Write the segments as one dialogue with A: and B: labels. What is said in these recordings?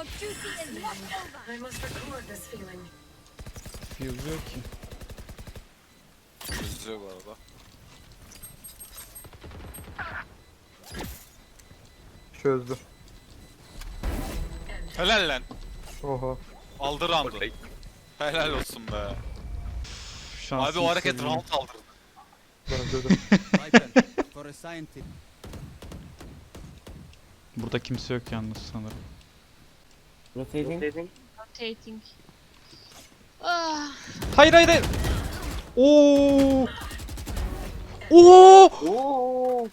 A: Your duty is not over.
B: I must record this feeling.
C: Fuse yok ki.
D: Çözüyor bu arada.
E: Çözdü.
D: Helal lan.
E: Oha.
D: Aldı round'u. Helal olsun be. Abi o hareket round aldırdı.
E: Bence de.
F: Viper, for a scientist.
C: Burada kimse yok yalnız sanırım.
G: Rotating.
A: Rotating. Ah,
C: Hayır hayır hayır. Oo. Oo.
G: Oo.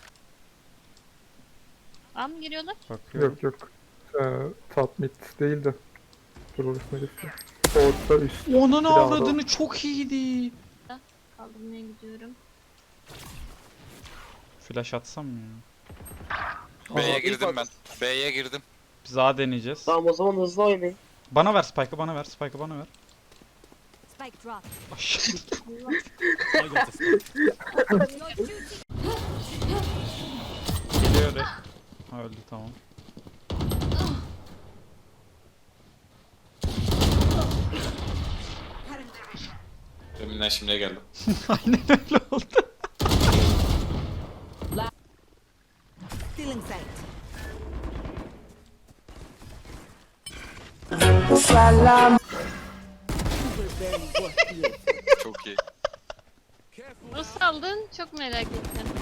A: A mı giriyorlar?
C: Bakıyorum.
E: Yok yok. Top mid değil de. Dur orasına geçsin. Orta üst.
C: Onun
E: Silahı
C: avradını çok iyiydi.
A: Kaldırmaya gidiyorum.
C: Flash atsam mı ya?
D: B'ye
G: Aa,
D: girdim
G: ilk
D: ben. B'ye girdim.
C: Biz A deneyeceğiz.
G: Tamam o zaman hızlı oynayın.
C: Bana ver Spike'ı bana ver. Spike'ı bana ver.
A: Spike drop.
C: Aşağı.
F: I got the spike.
A: Your duty.
C: Geliyor re. Ha öldü tamam.
D: Deminden şimdiye geldim.
C: Aynen öyle oldu.
A: Stealing sight.
D: Çok iyi.
A: Nasıl aldın? Çok merak ettim.